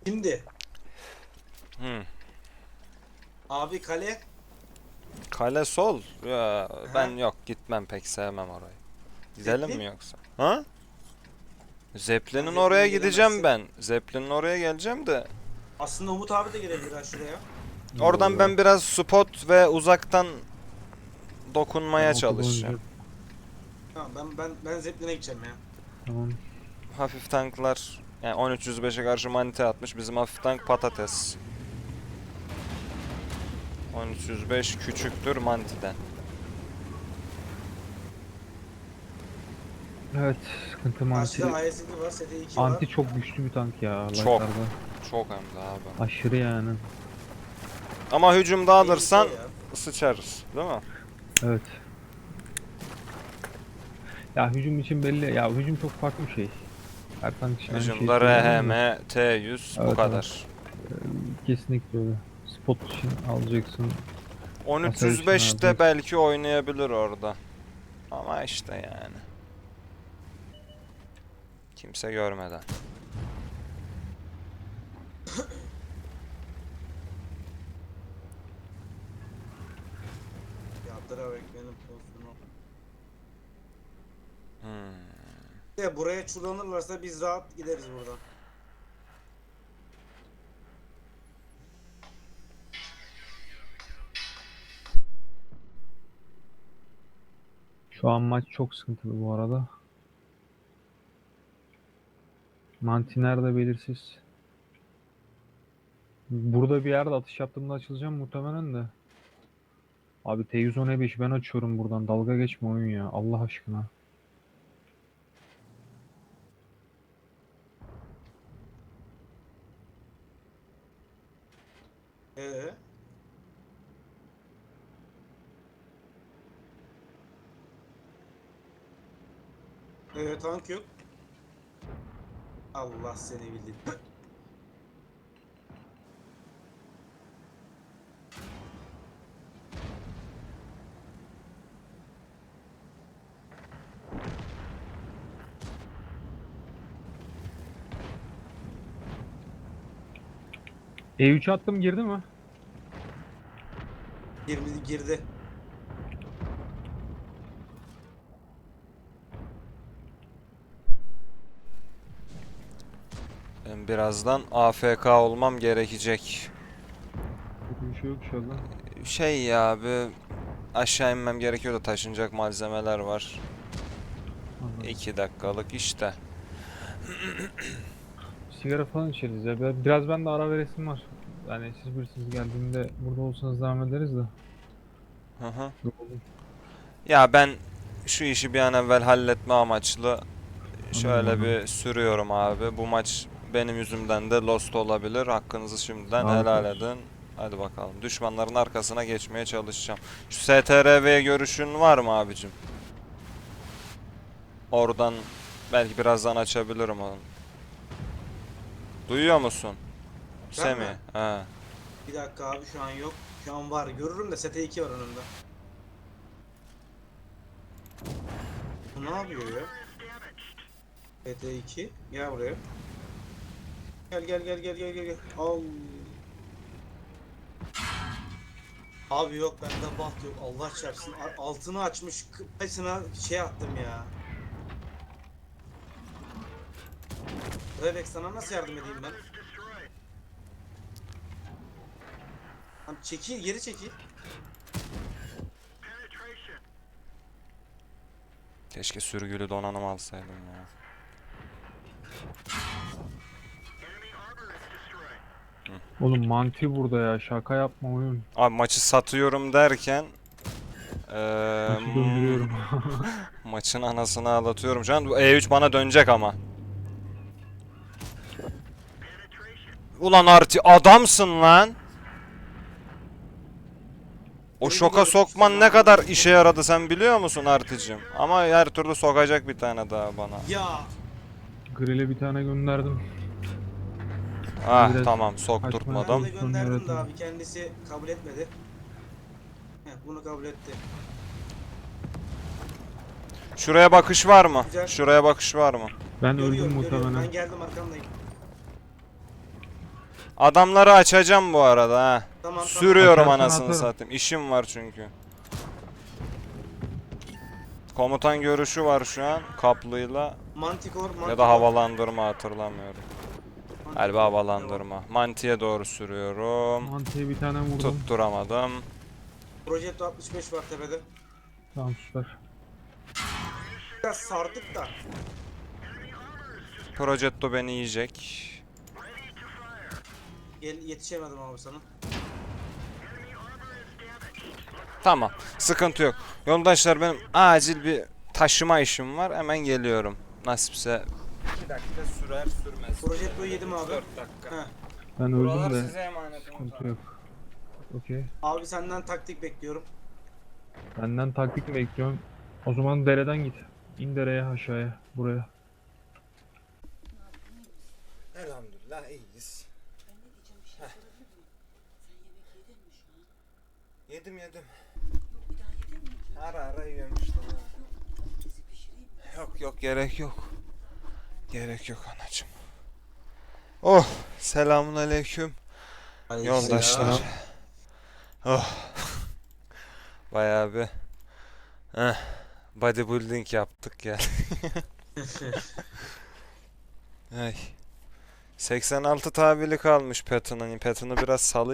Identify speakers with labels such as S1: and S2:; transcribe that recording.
S1: Şimdi
S2: Hı.
S1: abi kale.
S2: Kale sol. Ya, ben
S1: Aha.
S2: yok gitmem pek sevmem orayı. Gidelim mi
S1: Zeppelin.
S2: yoksa? Ha?
S1: Sen
S2: Zeppelin'in oraya
S1: Zeppelin'e
S2: gideceğim
S1: gelemezsin.
S2: ben. Zeppelin'in oraya geleceğim de.
S1: Aslında Umut abi de gelebilir ha şuraya.
S2: Oradan
S3: Yo.
S2: ben biraz spot ve uzaktan
S3: Ben
S2: dokunmaya
S3: ortada
S2: çalışacağım.
S3: oynayacağım.
S1: Tamam ben Zeppelin'e gideceğim ya.
S3: Tamam.
S2: Hafif tanklar yani 1305'e karşı manite atmış. Bizim hafif tank patates. 1305 küçüktür mantiden.
S3: Evet, sıkıntı manti.
S1: Karşıda IS-2 var, ST-2 var.
S3: Anti çok güçlü bir tank ya
S2: Çok.
S3: Light'larda.
S2: Çok hem de abi.
S3: Aşırı yani.
S2: Ama hücumda
S1: Tehlikeli
S2: alırsan
S1: ya.
S2: sıçarız, değil mi?
S3: Evet. Ya hücum için belli. Ya hücum çok farklı bir şey. Her tank için aynı şeyi
S2: Hücumda
S3: söyleyemem
S2: RHM,
S3: de.
S2: T100 bu
S3: Evet, evet.
S2: kadar.
S3: Kesinlikle öyle. Spot için alacaksın. Hasar için
S2: 1305'te
S3: alacaksın.
S2: belki oynayabilir orada. Ama işte yani. Kimse görmeden.
S1: Yardırarak benim pozisyonu.
S2: Hmm.
S1: De buraya çullanırlarsa biz rahat gideriz buradan.
S3: Şu an maç çok sıkıntılı bu arada. Manti nerede belirsiz. Burada bir yerde atış yaptığımda açılacağım muhtemelen de. Abi T110E5 ben açıyorum buradan. Dalga geçme oyun ya. Allah aşkına.
S1: Ee, tank yok. Allah seni bildi.
S3: E3 attım girdi mi?
S1: Girdi.
S2: Ben birazdan AFK olmam gerekecek.
S3: Kötü bir şey yok inşallah.
S2: Şey ya bir aşağı inmem gerekiyor da taşınacak malzemeler var.
S3: Anladım.
S2: 2 dakikalık işte.
S3: Sigara falan içeriz ya. Biraz ben de ara veresim var. Yani siz bilirsiniz geldiğimde burada olsanız devam ederiz de.
S2: Hı hı.
S3: Yoruldum.
S2: Ya ben şu işi bir an evvel halletme amaçlı
S3: Anladım,
S2: şöyle
S3: anladım.
S2: bir sürüyorum abi. Bu maç benim yüzümden de lost olabilir. Hakkınızı şimdiden
S3: Sağlık
S2: helal
S3: olsun.
S2: edin. Hadi bakalım. Düşmanların arkasına geçmeye çalışacağım. Şu STRV görüşün var mı abicim? Oradan belki birazdan açabilirim onu. Duyuyor musun?
S1: Ben
S2: Semih.
S1: mi?
S2: He.
S1: Bir dakika abi şu an yok. Şu an var. Görürüm de ST-2 var önümde. Bu ne yapıyor ya? ST-2. Gel buraya. Gel. Al. Abi yok bende baht yok. Allah çarpsın. Altını açmış. Kıpesine şey attım ya. Revex sana nasıl yardım edeyim ben? Tamam, çekil, geri çekil.
S2: Keşke sürgülü donanım alsaydım ya.
S3: Oğlum manti burada ya. Şaka yapma oyun.
S2: Abi maçı satıyorum derken
S3: Maçı döndürüyorum.
S2: maçın anasını ağlatıyorum. Şu an bu E3 bana dönecek ama. Ulan Arti adamsın lan. O
S1: Seni
S2: şoka
S1: biliyorum, hiçbir
S2: sokman
S1: zaman
S2: ne kadar
S1: bilmiyorum.
S2: işe yaradı sen biliyor musun Articim? Ama her türlü sokacak bir tane daha bana.
S1: Ya
S3: Grill'e bir tane gönderdim.
S2: Ah
S3: Biraz
S2: tamam
S3: kaçma
S1: ben
S2: sokturtmadım.
S1: de
S3: pozisyonu
S1: gönderdim de
S3: yaratalım.
S1: abi kendisi kabul etmedi. Heh, bunu kabul etti.
S2: Şuraya bakış var mı?
S1: Güzel.
S2: Şuraya bakış var mı?
S3: Ben öldüm
S1: Görüyorum.
S3: muhtemelen.
S1: Ben geldim arkamdayım.
S2: Adamları açacağım bu arada ha.
S1: Tamam.
S2: Sürüyorum
S3: Açarsan
S2: anasını
S3: atarım.
S2: satayım. İşim var çünkü. Komutan görüşü var şu an kaplıyla
S1: Mantikor.
S2: ya da havalandırma hatırlamıyorum. Galiba havalandırma. Mantiye doğru sürüyorum.
S3: Mantıya bir tane vurdum.
S2: Tutturamadım.
S1: Projetto 65 var tepede.
S3: Tamam süper.
S1: Biraz sardık da.
S2: Progetto beni yiyecek.
S1: Yetişemedim abi sana.
S2: Tamam. Sıkıntı yok. Yoldaşlar benim acil bir taşıma işim var. Hemen geliyorum. Nasipse 2 dakika sürer sürmez.
S1: Projetto'yu yedim abi.
S2: 4 dakika.
S1: Heh.
S3: Ben
S2: Buralar
S3: öldüm de
S2: size emanet.
S3: sıkıntı yok. Okey.
S1: Abi senden taktik bekliyorum.
S3: Benden taktik mi bekliyorum? O zaman dereden git. İn dereye aşağıya. Buraya.
S2: Elhamdülillah iyiyiz. Yedim. Ara yiyorum işte. Yok gerek yok. Gerek yok anacığım. Oh selamun aleyküm yoldaşlar. Oh. Bayağı bir bodybuilding yaptık ya. Ay. 86 tabiri kalmış Patton'un. Patton'u biraz salı